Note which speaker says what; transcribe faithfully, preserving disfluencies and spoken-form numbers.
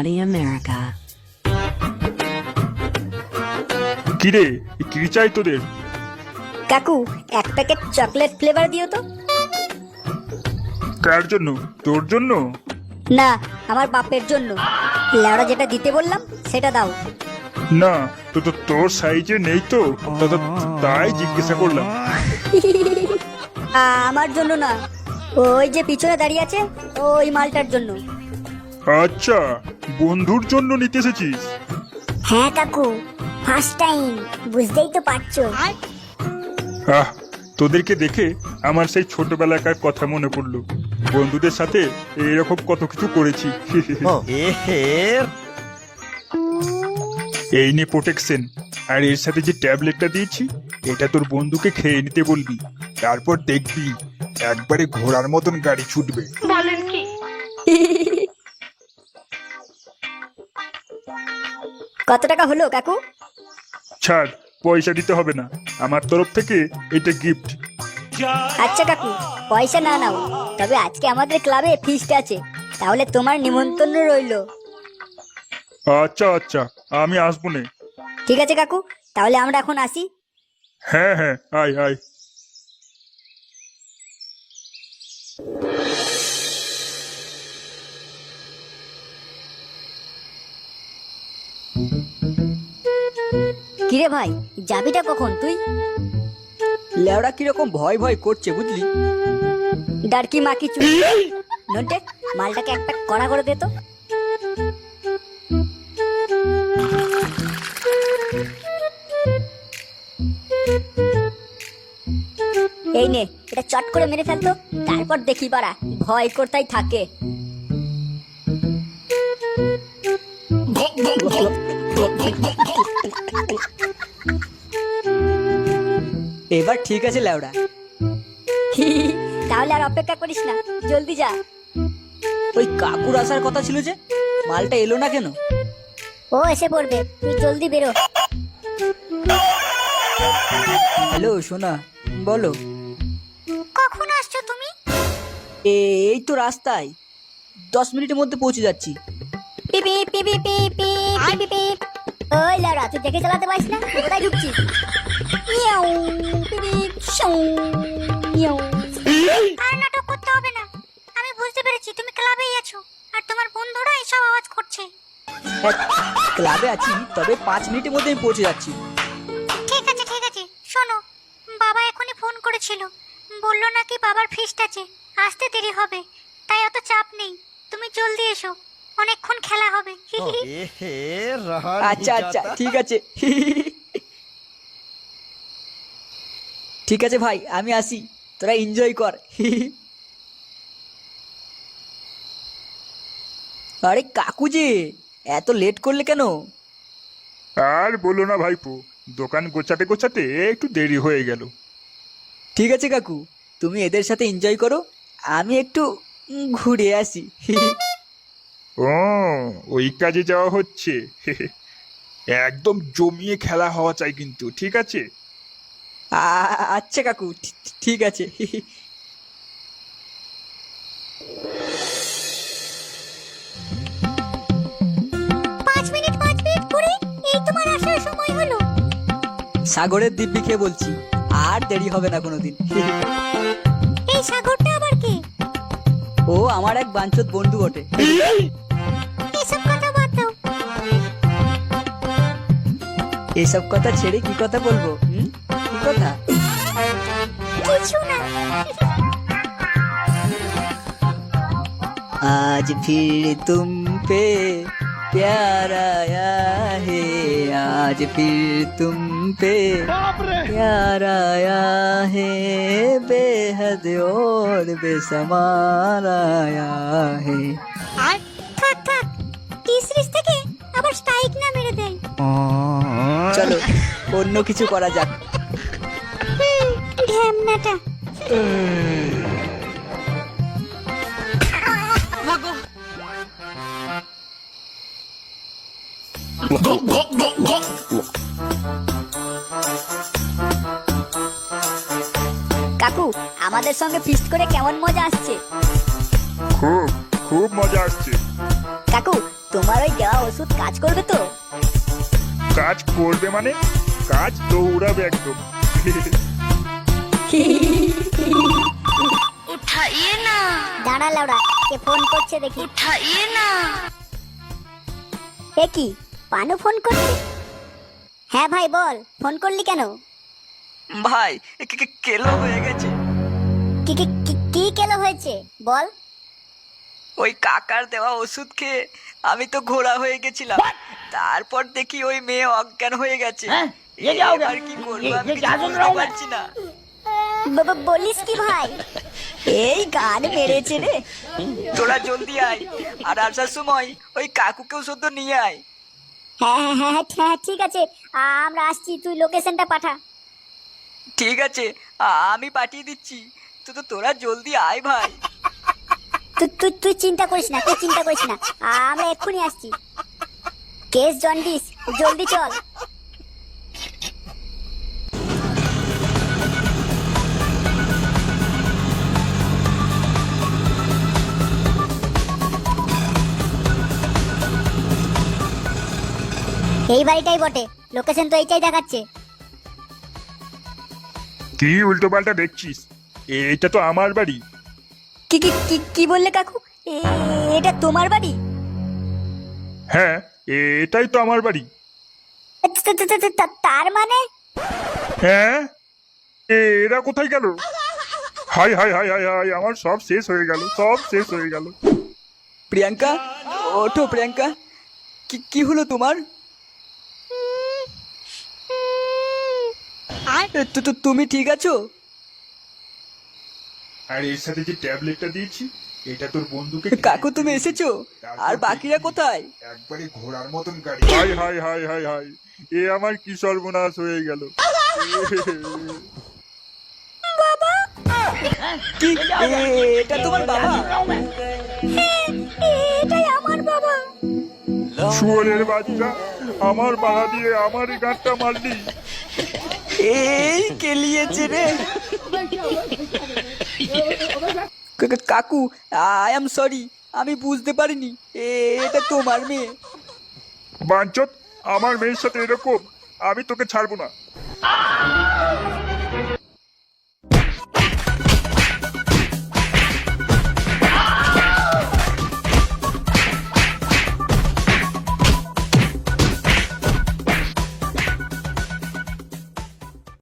Speaker 1: Naughty America.
Speaker 2: কিরে কি চাই তোদের?
Speaker 3: কাকু এক প্যাকেট চকলেট ফ্লেভার দিও তো।
Speaker 2: কার জন্য? তোর জন্য?
Speaker 3: না, আমার বাপের জন্য। লেওড়া যেটা দিতে বললাম সেটা দাও।
Speaker 2: না, তো তো তোর সাইজে নেই তো, তা- তা- তাই জিজ্ঞাসা করলাম।
Speaker 3: আমার জন্য না, ওই যে পিছনে দাঁড়িয়ে আছে ওই মালটার জন্য।
Speaker 2: আচ্ছা, বন্ধুর জন্য নিতে এসেছিস?
Speaker 4: হ্যাঁ কাকু, ফার্স্ট টাইম, বুঝতেই তো পারছো।
Speaker 2: আহ, তোদেরকে দেখে আমার সেই ছোটবেলাকার কথা মনে পড়লো। বন্ধুদের সাথে এরকম কত কিছু করেছি। এই নে প্রোটেকশন, আর এর সাথে যে ট্যাবলেটটা দিয়েছি এটা তোর বন্ধুকে খেয়ে নিতে বলবি, তারপর দেখবি একবারে ঘোড়ার মতন গাড়ি ছুটবে।
Speaker 3: কত টাকা হলো কাকু?
Speaker 2: ছাড়, পয়সা দিতে হবে না, আমার তরফ থেকে এটা গিফট।
Speaker 3: আচ্ছা কাকু, পয়সা না নাও, তবে আজকে আমাদের ক্লাবে ফিস্ট আছে, তাহলে তোমার নিমন্ত্রণ রইলো।
Speaker 2: আচ্ছা আচ্ছা, আমি আসবো নে।
Speaker 3: ঠিক আছে কাকু, তাহলে আমরা এখন আসি।
Speaker 2: হ্যাঁ হ্যাঁ, আয় আয়।
Speaker 3: কিরে ভাই, যাবিটা কখন তুই?
Speaker 5: লেওড়া কিরকম ভয় ভয় করছে বুঝলি।
Speaker 3: ডারকি মাকি চু নন্টে, মালটাকে এক প্যাক কড়া করে দে তো। এই নে, এটা চট করে মেরে ফেলতো, তারপর দেখি পারা ভয় করতেই থাকে।
Speaker 5: এবার ঠিক আছে লেওড়া।
Speaker 3: তাহলে আর অপেক্ষা করিস না, জলদি যা।
Speaker 5: ওই কাকুর আসার কথা ছিল যে, মালটা এলো না কেন?
Speaker 4: ও এসে পড়বে, তুই জলদি বেরো।
Speaker 5: হ্যালো সোনা, বলো।
Speaker 4: কখন আসছো তুমি?
Speaker 5: এ- এই তো রাস্তায়, দশ মিনিটের মধ্যে পৌঁছে যাচ্ছি।
Speaker 3: পিপি পিপি পিপি পিপি পিপ। ওই লাউরা, তুই দেখে চালাতে পারিস না? কোথায় ঢুকছিস? মিয়াও পিপি শাও মিয়াও।
Speaker 4: আর নাটক করতে হবে না, আমি বুঝতে পেরেছি তুমি ক্লাবেই আছো আর তোমার বন্ধুরা এসব আওয়াজ করছে।
Speaker 5: হ্যাঁ, ক্লাবে আছি, তবে পাঁচ মিনিটের মধ্যে আমি পৌঁছে যাচ্ছি।
Speaker 4: ঠিক আছে ঠিক আছে, শোনো, বাবা এখনই ফোন করেছিল, বললো নাকি বাবার ফিস্ট আছে, আসতে দেরি হবে, তাই অত চাপ নেই, তুমি জলদি এসো, অনেকক্ষণ খেলা হবে।
Speaker 5: আচ্ছা আচ্ছা, ঠিক আছে। ঠিক আছে ভাই, আমি আসি, তোরা এনজয় কর। আরে কাকু যে, এত লেট করলে কেন?
Speaker 2: আর বলো না ভাইপো, দোকান গোছাতে গোছাতে একটু দেরি হয়ে গেল।
Speaker 5: ঠিক আছে কাকু, তুমি এদের সাথে এনজয় করো, আমি একটু উম, ঘুরে আসি।
Speaker 2: ও, ওই কাজে যাওয়া হচ্ছে। একদম জমিয়ে খেলা হওয়া চাই কিন্তু, ঠিক আছে?
Speaker 5: আ- আচ্ছা কাকু, ঠি- ঠিক আছে।
Speaker 4: পাঁচ মিনিট পাঁচ মিনিট করে এই তোমার আসার সময় হলো।
Speaker 5: সাগরের দিব্যি খেয়ে বলছি, আর দেরি হবে না কোনোদিন।
Speaker 4: এই সাগরটা আবার কে?
Speaker 5: ও আমার এক বাঞ্চত বন্ধু বটে।
Speaker 4: এসব কথা বাদ দাও।
Speaker 5: এসব কথা ছেড়ে কি কথা বলবো? হুম? কি কথা?
Speaker 4: কিছু না।
Speaker 5: आज फिर तुम पे प्यार आया है, आज फिर तुम पे प्यार आया है, बेहद और बेसमार आया है।
Speaker 4: আর থাক থাক, টি সিরিজ থেকে আবার স্ট্রাইক না মেরে দেয়।
Speaker 5: চলো অন্য কিছু করা যাক।
Speaker 4: হুম, ঢ্যামনাটা।
Speaker 3: কাকু, আমাদের সঙ্গে ফিস্ট করে কেমন মজা আসছে?
Speaker 2: খুব খুব মজা আসছে।
Speaker 3: কাকু, তোমার ওই দেওয়া ওষুধ কাজ করবে তো?
Speaker 2: কাজ করবে মানে? কাজ দৌড়াবে একদম।
Speaker 4: উঠাইয়ে না,
Speaker 3: দাঁড়া লাউড়া, কে ফোন করছে দেখি।
Speaker 4: উঠাইয়ে না।
Speaker 3: এ কি, পানু ফোন করছে? হ্যাঁ ভাই বল, ফোন করলি কেন?
Speaker 5: ভাই কে- কে- কেলো হয়ে গেছে।
Speaker 3: কি কি কি- কি কেলো হয়েছে বল?
Speaker 5: ওই কাকার দেওয়া ওষুধ খেয়ে আমি তো ঘোড়া হয়ে গেছিলাম, তারপর দেখি ওই মেয়ে অজ্ঞান হয়ে গেছে। এবার কি করবো আমি কিছু বুঝতে পারছি না।
Speaker 3: ব- ব- বলিস কি ভাই? এই গান মেরেছে রে।
Speaker 5: তোরা জলদি আয়, আর আসার সময় ওই কাকুকেও শুধু নিয়ে আয়।
Speaker 3: হ্যাঁ হ্যাঁ হ্যাঁ হ্যাঁ, হ্যাঁ ঠিক আছে, আমরা আসছি, তুই লোকেশনটা পাঠা।
Speaker 5: ঠিক আছে, আ- আমি পাঠিয়ে দিচ্ছি, তো তো তোরা জলদি আয় ভাই।
Speaker 3: তুই তুই তুই চিন্তা করিস না, তুই চিন্তা করিস না, আমরা এক্ষুনি আসছি। কেস জন্ডিস, জলদি চল। এই বাড়িটাই বটে, লোকেশন তো এইটাই দেখাচ্ছে।
Speaker 2: কি উল্টো পাল্টা দেখছিস? এটা তো আমার বাড়ি।
Speaker 3: কি কি কি কি বললে কাকু? এ- এটা তোমার বাড়ি?
Speaker 2: হ্যাঁ, এটাই তো আমার বাড়ি।
Speaker 3: তা- তা- তা- তা- তার মানে?
Speaker 2: হ্যাঁ, এ- এরা কোথায় গেল? হাই হাই হাই হাই হাই, আমার সব শেষ হয়ে গেল, সব শেষ হয়ে গেল।
Speaker 5: প্রিয়াঙ্কা, ওঠো প্রিয়াঙ্কা, কি কি হলো তোমার? এ, তো- তো তুমি ঠিক আছো?
Speaker 2: আর এর সাথে যে ট্যাবলেটটা দিয়েছি, এটা তোর বন্ধুকে
Speaker 5: কাকু তুমি এসেছো? আর বাকিরা কোথায়?
Speaker 2: একবারে ঘোড়ার মতন গাড়ি। হাই হাই হাই হাই হাই, এ আমার কি সর্বনাশ হয়ে গেল।
Speaker 5: কি এ- এটা তোমার বাবা?
Speaker 3: এটাই আমার বাবা।
Speaker 2: শুয়োরের বাচ্চা, আমার বাধা দিয়ে আমার গাঁটটা মারলি।
Speaker 5: এই কেলিয়েছে রে। কা- কা- কাকু, আই এম সরি, আমি বুঝতে পারিনি এ- এটা তোমার মেয়ে।
Speaker 2: বাঞ্চত, আমার মেয়ের সাথে এরকম, আমি তোকে ছাড়বো না।